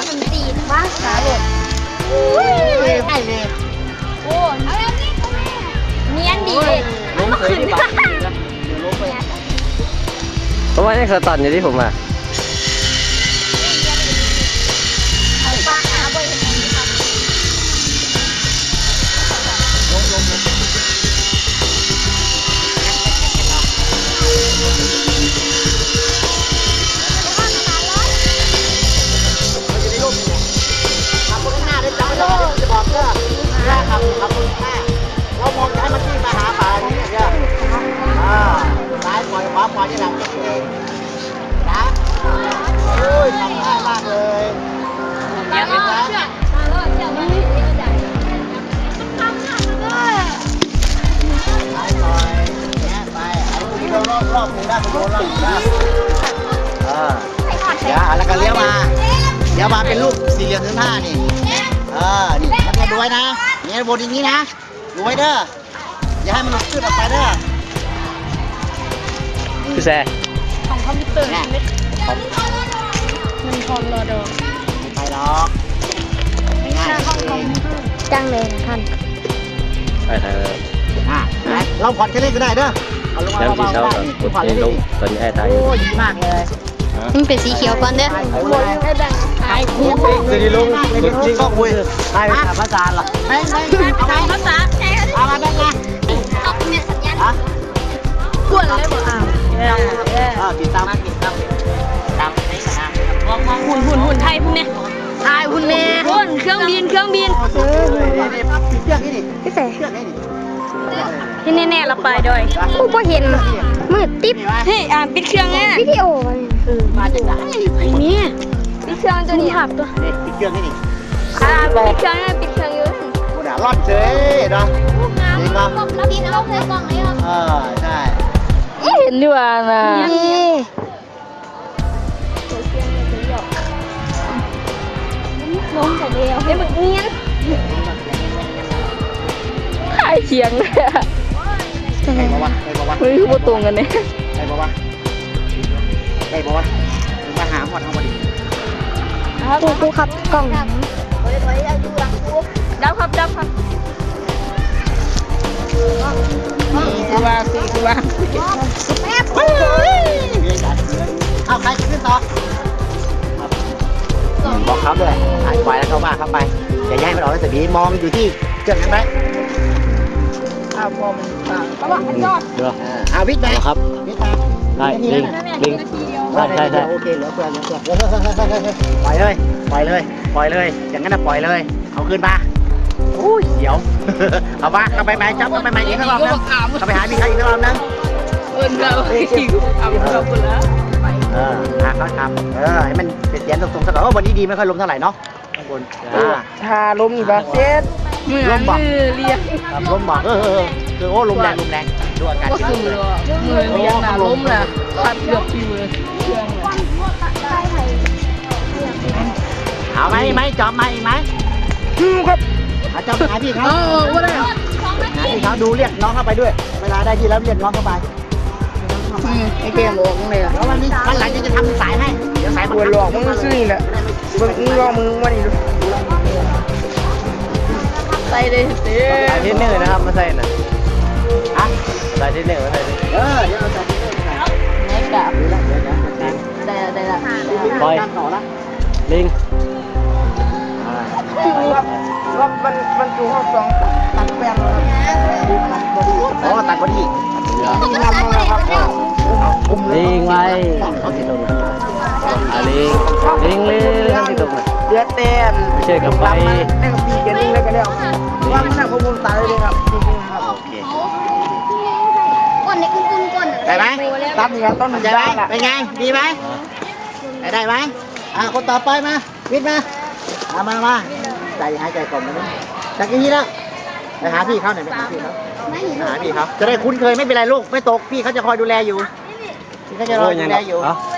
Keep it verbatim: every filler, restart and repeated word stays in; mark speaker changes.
Speaker 1: มันตีนว่าสาหลดได้เลยโอ้เอาแล้วนี่ก็แม่เนียนดีมันมาขึ้น
Speaker 2: เพราะว่านี่คือตอนอยู่ที่ผมอ่ะ
Speaker 3: เรามองให้มันที่มาหาป่าอย่างนี้เนี่ยอ่าซ้ายปล่อยขวาปล่อยนี่แหละเองนะโอ้ยทำง่ายมากเลยเดี๋ยวนะซ้ายปล่อยเนี้ยไปเอาลูกเดินรอบรอบหนึ่งได้คุณโดนรอบหนึ่งได้อ่าเดี๋ยวแล้วก็เลี้ยวมาเลี้ยวมาเป็นลูกสี่เหลี่ยมถึงห้านี่เออนี่แล้วก็ดูไว้นะนี่บนอย่างนี้นะดูไว้เด้ออย่าให้มันหลุดขึ้นออกไปเด้อ
Speaker 2: พี่แซ่
Speaker 1: ของคอมพิวเตอร์เม็ดหนึ่งคนรอดอ
Speaker 3: ไม่ไปหรอกง่ายๆ
Speaker 1: จังเลยท่าน
Speaker 2: ไปทาง
Speaker 3: อ่ะเราผ่อนแค่นี้ก็ได้เด้อเอาลงมา
Speaker 2: น้ำสี
Speaker 3: เบาๆ
Speaker 2: เช้า
Speaker 3: ได้
Speaker 2: ก่อน
Speaker 3: นี่
Speaker 2: กด
Speaker 3: ผ่อน
Speaker 2: นี่
Speaker 3: เรื่
Speaker 2: ล
Speaker 3: อย
Speaker 2: งตอนนี้ไอ้ตาย
Speaker 3: ๆ
Speaker 2: อยู่
Speaker 3: โอ้ดีมากเลย
Speaker 1: มันเป็นสีเขียวก่อนเด้อ
Speaker 3: ให้แบ่งให้คุย
Speaker 2: คือที่ลง
Speaker 3: นี่ก็คุย
Speaker 2: ไอ้ภาษาหรอ
Speaker 3: ไม่ไม่เอาไป
Speaker 1: ภาษา
Speaker 3: เอามาแบ่งมา
Speaker 1: เอาเนี่ยสัญญาณ
Speaker 3: ฮะ
Speaker 1: กวนเลยบ่อ้าว
Speaker 3: เออกินตามกินตามตามนี่นะมองมอง
Speaker 1: หุ่นหุ่นหุ่นไทยพวกเนี้ยไทยหุ่นเน่หุ่นเครื่องบินเครื่องบิน
Speaker 3: เออนี่นี่เชือกนี่นี่
Speaker 1: พี่เสก
Speaker 3: เชือกนี่นี่
Speaker 1: ที่แน่ๆเราไปด้วยผู้บ่เห็นมืดติ๊บเฮ้ยอ่าปิดเครื่องแน่วิดีโอมัน
Speaker 3: มาจากไหน
Speaker 1: นี่ปิดเครื่องตัวนี้หักตัว
Speaker 3: นี่ปิดเครื่องนี่นี่
Speaker 1: อ่าปิดเครื่องนะปิดเครื่องอยู่
Speaker 3: กูด่ารอดเฉยนะจริงป่ะ
Speaker 1: แล้วดินลงในกล่องเลยครับ
Speaker 3: เออใช่
Speaker 1: เห็นดีว่านะนี่ลงแต่เดียวเฮ้ยมันเงี้ยขายเคียงเลยอะ
Speaker 3: ใครบอกว่าใครบอกว่า
Speaker 1: เฮ้ยคือประตูกันเนี่ย
Speaker 3: ใครบอกว่าใครบอกว่ามึงมาหาหมดเอามาดิ
Speaker 1: กูกูขับกล่องดับครับดับครับ
Speaker 3: คือว่าคือว่าเอาใครจะขึ้นต่อบอกเขาด้วยหายไปแล้วเข้ามาเข้าไปอย่าย้ายมันออกเลยแต่บีมองอยู่ที่เกิดกันไหมอ้าวพอมันต่างระหว่างมันยอด
Speaker 2: เดี๋ยว
Speaker 3: อ่าวิทย์ไหม
Speaker 2: ครับ
Speaker 3: วิทย์มา
Speaker 2: ได้ลิงลิงใช่ใช่ใช่
Speaker 3: โอเคเหลือเพื่อนเหลือเพื่อนปล่อยเลยปล่อยเลยปล่อยเลยอย่างนั้นนะปล่อยเลยเอาคืนมาอุ้ยเดี๋ยวเอามาเข้าไปไหมจับเข้าไปไหมอีกสักรอบนึงเข้าไปหาพี่เขาอีกสักรอบนึง
Speaker 1: เอินเราขี่กูเอาเราคนละ
Speaker 3: เออหาเขาทำเออให้มันเป็นเสียงตรงๆสักหน่อยว่าวันนี้ดีไม่ค่อยลมเท่าไหร่เนาะข้างบนอ่า
Speaker 4: ทาลมอีกบาเซ็ต
Speaker 1: เหมือนมือเรียก
Speaker 3: ครับลมบอกเออเออคือโอ้ลมแรงลมแรงดูอาการ
Speaker 1: ก็
Speaker 3: เชื่
Speaker 1: คือ
Speaker 3: อ
Speaker 1: มือเรียกนะล้มนะพัดเกือบฟิวเลยเครื่อง
Speaker 3: เอาไหมไหมจอมไหมไหม
Speaker 4: อืมครับ
Speaker 3: อาจอมหาพี่เขา
Speaker 4: เออว่าได้
Speaker 3: หาพี่เขาดูเรียกน้องเข้าไปด้วย เวลาได้ที่แล้วเรียกน้องเข้าไป
Speaker 4: อืมไอเกมบอกมึงเลยอะ
Speaker 3: แล้ววันนี้วันหลังจะทำสายให้เดี๋ยวสาย
Speaker 4: ปวดหลอกมึงซื้อนี่แหละมึงมึงลองมึงมาดิดู
Speaker 1: ใส่เลยเต้
Speaker 2: สายที่หนึ่งนะครับมาใส่น่ะ
Speaker 3: ฮะ
Speaker 2: สายที่หนึ่งมาใส่ดิ
Speaker 3: เออเดี๋ยวเราจะเริ่มสาย
Speaker 1: ไม่กลับ
Speaker 3: เดี๋ยวเดี๋ยวเดี๋ยว
Speaker 1: ได้ได้ละ
Speaker 2: ปล่อย
Speaker 3: ตั้งต่อละ
Speaker 2: ลิง
Speaker 4: ว่ามันมันจูห้องสองตัดแปลงแล้วครับ
Speaker 3: อ๋อตัดบอดี้
Speaker 4: ที่ทำมาแล้วครับ
Speaker 3: เอาอุ้มเลย
Speaker 2: ลิงไว้
Speaker 3: เอาสิตรง
Speaker 2: อ่ะลิงลิงลิงลิงที่ตรงน่ะ
Speaker 4: เดือดเต้น
Speaker 2: ไม่ใช่กับไฟ
Speaker 4: ได้กับปีกันนึงแล้วก็แล้วว่ามันนั่งพวกผมตายเลยครับจริงๆครับ
Speaker 3: โอเค
Speaker 1: ก้นนี่กุ้งก้น
Speaker 3: ได้ไหม
Speaker 4: ตัดนี่ครับต้น
Speaker 3: เข้าใจไหมเป็นไงดีไหมได้ได้ไหมอ่ะคนต่อไปมาวิทย์มามามามาใจหายใจก่อนนะจากที่แล้วไปหาพี่เขาหน่อยไปหาพี่เขาหาพี่เขาจะได้คุ้นเคยไม่เป็นไรลูกไม่ตกพี่เขาจะคอยดูแลอยู่พี่เขาจะคอยดูแลอยู่
Speaker 2: เอ้า